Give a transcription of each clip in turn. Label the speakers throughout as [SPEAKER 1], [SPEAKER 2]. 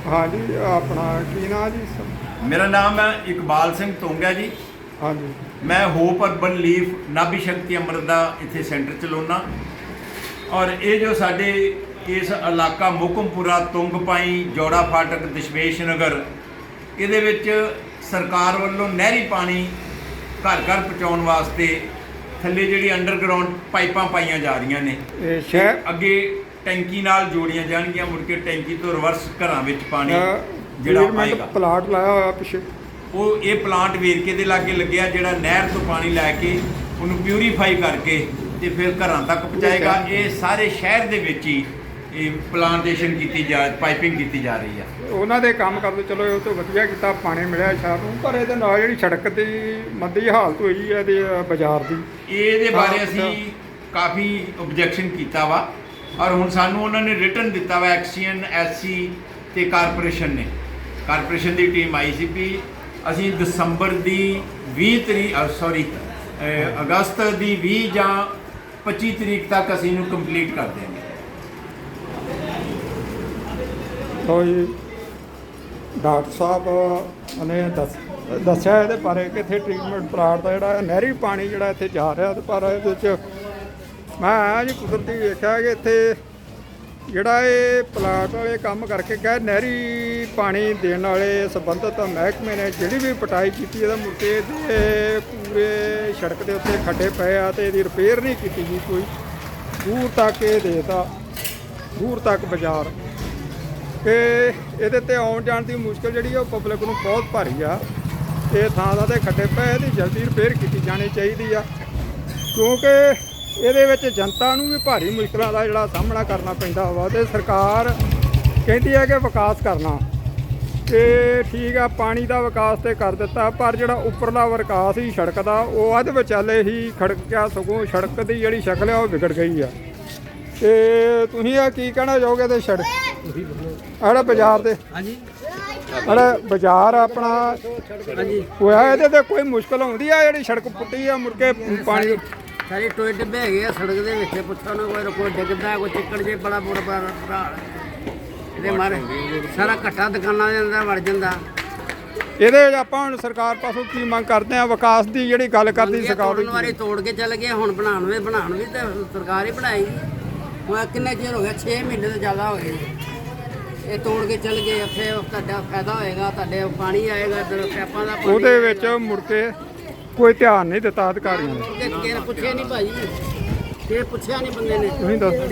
[SPEAKER 1] हाँ जी अपना की ना जी
[SPEAKER 2] मेरा नाम है इकबाल सिंह तोंगा जी।
[SPEAKER 1] हाँ जी
[SPEAKER 2] मैं होप अर्बन लीफ नाभि शक्ति अमृत का इतने सेंटर चलाना और ये जो साडे इस इलाका मुकमपुरा तुंगपाई जोड़ा फाटक दशमेश नगर ये सरकार वालों नहरी पानी घर घर पहुँचाने वास्ते थले जी अंडरग्राउंड पाइपां पाइया जा रही ने
[SPEAKER 1] ये शहर
[SPEAKER 2] अगे टैंकी नाल जोड़ियां जाणगियां मुड़ के टैंकी तो रिवर्स घरां विच पानी जिहड़ा आएगा।
[SPEAKER 1] प्लाट लाया हुआ पिछे
[SPEAKER 2] वो ये प्लांट वेरके दे लागे लग्या जिहड़ा नहर तो पानी लैके उन्होंने प्यूरीफाई करके ते फिर घरां तक पहुँचाएगा। ये सारे शहर दे विच ही प्लांटेशन की पाइपिंग की जा रही है।
[SPEAKER 1] ਉਹਨਾਂ ਦੇ ਕੰਮ ਕਰਦੇ ਚਲੋ ਇਹ ਤੋਂ ਵਧੀਆ ਕੀਤਾ ਪਾਣੀ ਮਿਲਿਆ ਸ਼ਹਿਰ ਨੂੰ ਪਰ ਇਹਦੇ ਨਾਲ ਜਿਹੜੀ ਸੜਕ ਦੀ ਮੰਦੀ ਹਾਲਤ ਹੋਈ ਹੈ ਇਹਦੇ ਬਾਜ਼ਾਰ ਦੀ
[SPEAKER 2] ਇਹਦੇ ਬਾਰੇ ਅਸੀਂ ਕਾਫੀ ਆਬਜੈਕਸ਼ਨ ਕੀਤਾ ਵਾ ਔਰ ਹੁਣ ਸਾਨੂੰ ਉਹਨਾਂ ਨੇ ਰਿਟਨ ਦਿੱਤਾ ਵਾ ਐਕਸੀਅਨ ਐਸਸੀ ਤੇ ਕਾਰਪੋਰੇਸ਼ਨ ਦੀ ਟੀਮ ਆਈ ਸੀ ਵੀ ਅਸੀਂ ਦਸੰਬਰ ਦੀ 20 ਅਗਸਤ ਦੀ 20 ਜਾਂ 25 ਤਰੀਕ ਤੱਕ ਅਸੀਂ ਇਹਨੂੰ ਕੰਪਲੀਟ ਕਰ ਦੇਵਾਂਗੇ।
[SPEAKER 1] तो जी डॉक्टर साहब ने दस्या ये बारे कि इतने ट्रीटमेंट प्लाट का जोड़ा नहरी पानी जोड़ा इतने जा रहा पर ये मैं जी कुदरती वेख्या कि इतने जोड़ा ये प्लाट वाले काम करके कह नहरी पानी देने वाले संबंधित महकमे ने जी भी पटाई की मुड़के पूरे सड़क के उत्ते खड्डे पे ये रिपेयर नहीं की गई कोई दूर तक ये देता दूर तक बाजार कि ये आने जाने की मुश्किल जी पब्लिक को बहुत भारी आ। ये थां दे खड्डे पे ये जल्दी रिपेयर की जानी चाहिए क्योंकि ये जनता नूं भी भारी मुश्किलों का जोड़ा सामना करना पैंदा वा ते सरकार कहती है कि विकास करना ते ठीक है पानी का विकास तो कर दिता पर जोड़ा उपरला विकास ही सड़क का वो अध विचाले ही खड़क गया सगों सड़क की जी शक्ल है वो बिगड़ गई है। तो तुसीं की कहना चाहोगे तो सड़क अड़ा बाजार से अड़ा बाजार अपना होया ये कोई मुश्किल आती है जी सड़क पुट्टी है मुड़के पानी
[SPEAKER 3] सारे टोए टिब्बे है सड़क के पुछो ना कोई डिगदा कोई चिकड़ जे बड़ा बुरा ये मारे सारा घट्टा दुकाना के अंदर वड़ जाता।
[SPEAKER 1] ये आप सरकार पासों की मंग करते हैं विकास की जी गल करती सरकार
[SPEAKER 3] वारी तोड़ के चल गए हुण बना भी तो सरकार ही बनाई हुण किन्ने चिर हो गया 6 महीने तो ज़्यादा हो गए ये तोड़ के चल गए उत्थे तुहाडा फायदा होएगा तुहाडे पानी आएगा इधर पैपां दा पानी
[SPEAKER 1] ਉਹਦੇ ਵਿੱਚ ਮੁੜ ਕੇ ਕੋਈ ਧਿਆਨ ਨਹੀਂ ਦਿੱਤਾ ਅਧਿਕਾਰੀਆਂ ਨੇ
[SPEAKER 3] ਕਿਸੇ ਨੇ ਪੁੱਛਿਆ ਨਹੀਂ ਭਾਜੀ ਇਹ ਪੁੱਛਿਆ ਨਹੀਂ ਬੰਦੇ ਨੇ
[SPEAKER 1] ਤੁਸੀਂ ਦੱਸੋ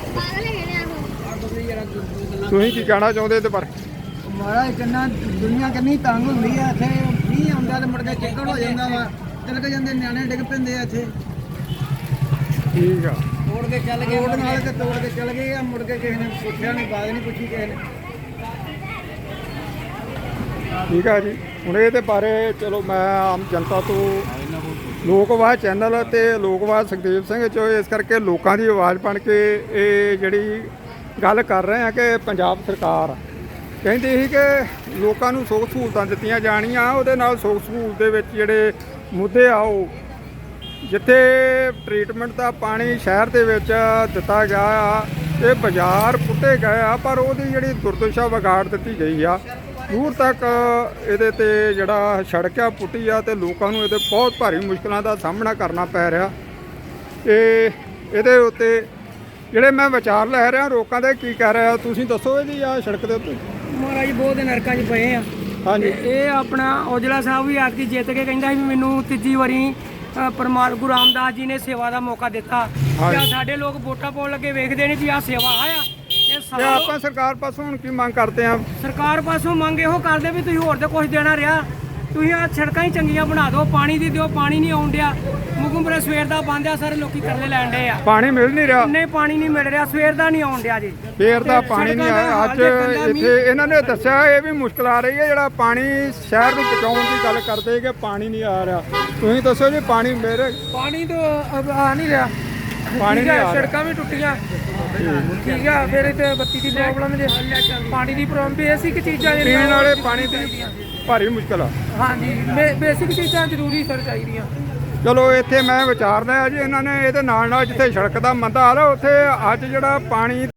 [SPEAKER 1] ਤੁਸੀਂ ਕੀ ਕਹਿਣਾ ਚਾਹੁੰਦੇ ਇਹਦੇ ਬਾਰੇ
[SPEAKER 4] ਮਹਾਰਾਜ ਕਿੰਨਾ ਦੁਨੀਆ ਕਿੰਨੀ ਤੰਗ ਹੁੰਦੀ ਆ ਇੱਥੇ ਮੀਂਹ ਆਉਂਦਾ ਤੇ ਮੁੜ ਕੇ ਚਿੱਕੜ ਹੋ ਜਾਂਦਾ ਵਾ ਤਿਲਕ ਜਾਂਦੇ ਨਿਆਣੇ ਡਿੱਗ ਪੈਂਦੇ ਆ ਇੱਥੇ
[SPEAKER 1] ਠੀਕ ਆ
[SPEAKER 3] ਤੋੜ ਕੇ ਚੱਲ ਗਏ
[SPEAKER 4] ਤੋੜ ਨਾਲ ਤੇ ਤੋੜ ਕੇ ਚੱਲ ਗਏ ਆ ਮੁੜ ਕੇ ਕਿਸੇ ਨੇ ਪੁੱਛਿਆ ਨਹੀਂ ਬਾਤ ਨਹੀਂ ਪੁੱਛੀ ਕਿਸੇ ਨੇ।
[SPEAKER 1] ਠੀਕ ਆ ਜੀ ਹੁਣ ਇਹਦੇ ਬਾਰੇ ਚਲੋ ਮੈਂ ਆਮ ਜਨਤਾ ਤੋਂ ਲੋਕਵਾਦ ਚੈਨਲ ਤੇ ਲੋਕਵਾਦ ਸੁਖਦੇਵ ਸਿੰਘ ਚੋ ਇਸ ਕਰਕੇ ਲੋਕਾਂ ਦੀ ਆਵਾਜ਼ ਬਣ ਕੇ ਇਹ ਜਿਹੜੀ ਗੱਲ ਕਰ ਰਹੇ ਆ ਕਿ ਪੰਜਾਬ ਸਰਕਾਰ ਕਹਿੰਦੀ ਸੀ ਕਿ ਲੋਕਾਂ ਨੂੰ ਸੁੱਖ ਸਹੂਲਤਾਂ ਦਿੱਤੀਆਂ ਜਾਣੀਆਂ ਉਹਦੇ ਨਾਲ ਸੁੱਖ ਸਹੂਲਤ ਦੇ ਵਿੱਚ ਜਿਹੜੇ ਮੁੱਦੇ ਆ ਉਹ ਜਿੱਥੇ ਟ੍ਰੀਟਮੈਂਟ ਦਾ ਪਾਣੀ ਸ਼ਹਿਰ ਦੇ ਵਿੱਚ ਦਿੱਤਾ ਗਿਆ ਆ ਇਹ ਬਾਜ਼ਾਰ ਪੁੱਟੇ ਗਏ ਆ ਪਰ ਉਹਦੀ ਜਿਹੜੀ ਦੁਰਦਸ਼ਾ ਵਿਗਾੜ ਦਿੱਤੀ ਗਈ ਆ ਦੂਰ ਤੱਕ ਇਹਦੇ ਤੇ ਜਿਹੜਾ ਸੜਕ ਆ ਪੁੱਟੀ ਆ ਤੇ ਲੋਕਾਂ ਨੂੰ ਇਹਦੇ ਬਹੁਤ ਭਾਰੀ ਮੁਸ਼ਕਲਾਂ ਦਾ ਸਾਹਮਣਾ ਕਰਨਾ ਪੈ ਰਿਹਾ। ਤੇ ਇਹਦੇ ਉੱਤੇ ਜਿਹੜੇ ਮੈਂ ਵਿਚਾਰ ਲੈ ਰਿਹਾ ਲੋਕਾਂ ਦੇ ਕੀ ਕਹਿ ਰਿਹਾ ਤੁਸੀਂ ਦੱਸੋ ਇਹਦੀ ਆ ਸੜਕ ਦੇ ਉੱਤੇ
[SPEAKER 5] ਮਹਾਰਾਜ ਬਹੁਤ ਨਰਕਾਂ 'ਚ ਪਏ ਆ।
[SPEAKER 1] ਹਾਂਜੀ
[SPEAKER 5] ਇਹ ਆਪਣਾ ਔਜਲਾ ਸਾਹਿਬ ਵੀ ਆਦਕੀ ਜਿੱਤ ਕੇ ਕਹਿੰਦਾ ਸੀ ਵੀ ਮੈਨੂੰ ਤੀਜੀ ਵਾਰੀ ਗੁਰੂ ਰਾਮਦਾਸ ਜੀ ਨੇ ਸੇਵਾ ਦਾ ਮੌਕਾ ਦਿੱਤਾ ਤੇ ਸਾਡੇ ਲੋਕ ਵੋਟਾਂ ਪਾਉਣ ਲੱਗੇ ਵੇਖਦੇ ਨੇ ਵੀ ਆਹ ਸੇਵਾ ਆਇਆ
[SPEAKER 1] ਤੇ ਆਪਾਂ ਸਰਕਾਰ ਪਾਸੋਂ ਹੁਣ ਕੀ ਮੰਗ ਕਰਦੇ ਆ
[SPEAKER 5] ਸਰਕਾਰ ਪਾਸੋਂ ਮੰਗ ਇਹੋ ਕਰਦੇ ਵੀ ਤੁਸੀਂ ਹੋਰ ਤੇ ਕੁਝ ਦੇਣਾ ਰਿਹਾ ਤੁਸੀਂ ਆ ਸੜਕਾਂ ਹੀ ਚੰਗੀਆਂ ਬਣਾ ਦਿਓ ਪਾਣੀ ਦੀ ਦਿਓ ਪਾਣੀ ਨਹੀਂ ਆਉਣ ਡਿਆ ਮੁਕਮਪੁਰਾ ਸਵੇਰ ਦਾ ਬੰਦ ਆ ਸਾਰੇ ਲੋਕੀ ਤਰਲੇ ਲੈਣ ਡੇ ਆ
[SPEAKER 1] ਪਾਣੀ ਮਿਲ ਨਹੀਂ ਰਿਹਾ
[SPEAKER 5] ਨਹੀਂ ਪਾਣੀ ਨਹੀਂ ਮਿਲ ਰਿਹਾ ਸਵੇਰ ਦਾ ਨਹੀਂ ਆਉਣ ਡਿਆ ਜੀ
[SPEAKER 1] ਫੇਰ ਦਾ ਪਾਣੀ ਨਹੀਂ ਆਇਆ ਅੱਜ ਇੱਥੇ ਇਹਨਾਂ ਨੇ ਦੱਸਿਆ ਇਹ ਵੀ ਮੁਸ਼ਕਲ ਆ ਰਹੀ ਹੈ ਜਿਹੜਾ ਪਾਣੀ ਸ਼ਹਿਰ ਨੂੰ ਪਹੁੰਚਾਉਣ ਦੀ ਗੱਲ ਕਰਦੇ ਕਿ ਪਾਣੀ ਨਹੀਂ ਆ ਰਿਹਾ ਤੁਸੀਂ ਦੱਸੋ ਜੀ ਪਾਣੀ ਮੇਰੇ
[SPEAKER 5] ਪਾਣੀ ਤੋਂ ਆ ਨਹੀਂ ਰਿਹਾ
[SPEAKER 1] ਪਾਣੀ ਨਹੀਂ ਆ
[SPEAKER 5] ਸੜਕਾਂ ਵੀ ਟੁੱਟੀਆਂ ਠੀਕ ਆ ਫਿਰ ਇੱਥੇ ਬੱਤੀ ਦੀ ਪ੍ਰੋਬਲਮ ਜੇ ਪਾਣੀ ਦੀ ਪ੍ਰੋਬਲਮ ਬੇਸਿਕ ਚੀਜ਼ਾਂ
[SPEAKER 1] ਪੀਣ ਵਾਲੇ ਪਾਣੀ ਦੀ ਭਾਰੀ ਮੁਸ਼ਕਲ ਆ
[SPEAKER 5] ਹਾਂਜੀ ਬੇਸਿਕ ਚੀਜ਼ਾਂ ਜ਼ਰੂਰੀ ਸਰ ਚਾਹੀਦੀਆਂ।
[SPEAKER 1] ਚਲੋ ਇੱਥੇ ਮੈਂ ਵਿਚਾਰ ਲਿਆ ਜੀ ਇਹਨਾਂ ਨੇ ਇਹਦੇ ਨਾਲ ਜਿੱਥੇ ਸੜਕ ਦਾ ਮੰਦਾ ਹਾਲ ਆ ਉੱਥੇ ਅੱਜ ਜਿਹੜਾ ਪਾਣੀ